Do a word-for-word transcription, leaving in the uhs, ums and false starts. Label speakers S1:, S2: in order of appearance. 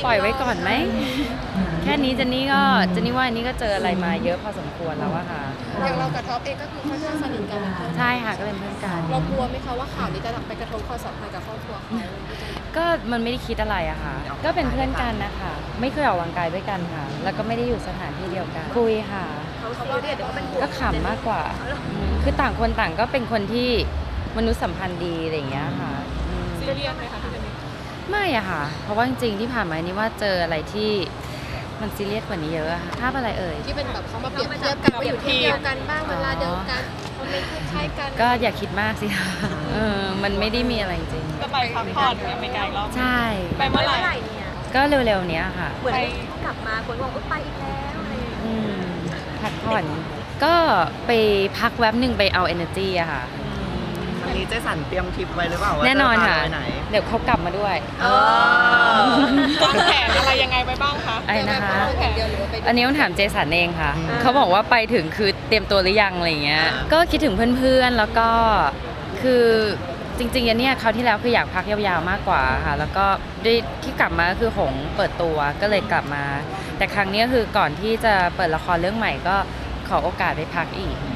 S1: ปล่อยไว้ก่อนไหมแค่นี้เจนนี่ก็เจนนี่ว่าอันนี้ก็เจออะไรมาเยอะพอสมควรแล้วอะค่ะ
S2: อย่างเรากับท็อปเองก็คือค่อนข้างสนิทกัน
S1: ใช่ค่ะก็เป็นเพื่อนกัน
S2: เรากลัวไหมคะว่าข่าวนี้จะไปกระทบความสัมพันธ์กับครอบครัวเขา
S1: ก็มันไม่ได้คิดอะไรอะค่ะก็เป็นเพื่อนกันนะคะไม่เคยออกกำลังกายด้วยกันค่ะแล้วก็ไม่ได้อยู่สถานที่เดียวกันคุยค่ะ
S2: เขาก็เรียกว่าเป็นห่วง
S1: ก็ขำมากกว่าคือต่างคนต่างก็เป็นคนที่มนุษยสัมพันธ์ดีอะไรอย่างเงี้ยค่ะ
S2: ซีเรียสไหมคะ
S1: ไม่อะค่ะเพราะว่าจริงๆที่ผ่านมานี่ว่าเจออะไรที่มันซีเรียสกว่านี้เยอะอะค่ะภาพอะไรเอ่ย
S2: ที่เป็นแบบเขามาเปรียบเทียบกันว่าอยู่ที่เดียวกันบ้างเวลาเดียวกันเขาไม่คล้ายกัน
S1: ก็อย่าคิดมากสิคะเออมันไม่ได้มีอะไรจริง
S2: ก็ไปพักผ่อนอเมริกาอีกรอบ
S1: ใช่
S2: ไปเมื่อไหร่เนี่ย
S1: ก็เร็วๆเนี้ยค่ะ
S2: เหมือนกลับมาคนบอกว่าไปอีกแล้วอะไร
S1: อืมพักผ่อนก็ไปพักแวบหนึ่งไปเอา energy อะค่ะ
S3: วันนี้เจสันเตรียมทริปไว้หรือเปล่า
S1: แน่นอนค่ะ
S3: ไหน
S1: เดี๋ยวเขากลับมาด้วย
S2: วางแผนอะไรยังไงไปบ้างคะ
S1: ไอ้นะคะอันนี้ต้องถามเจสันเองค่ะเขาบอกว่าไปถึงคือเตรียมตัวหรือยังอะไรเงี้ยก็คิดถึงเพื่อนๆแล้วก็คือจริงๆอันเนี้ยคราวที่แล้วคืออยากพักยาวๆมากกว่าค่ะแล้วก็ด้วยที่กลับมาก็คือหงเปิดตัวก็เลยกลับมาแต่ครั้งนี้คือก่อนที่จะเปิดละครเรื่องใหม่ก็ขอโอกาสไปพักอีก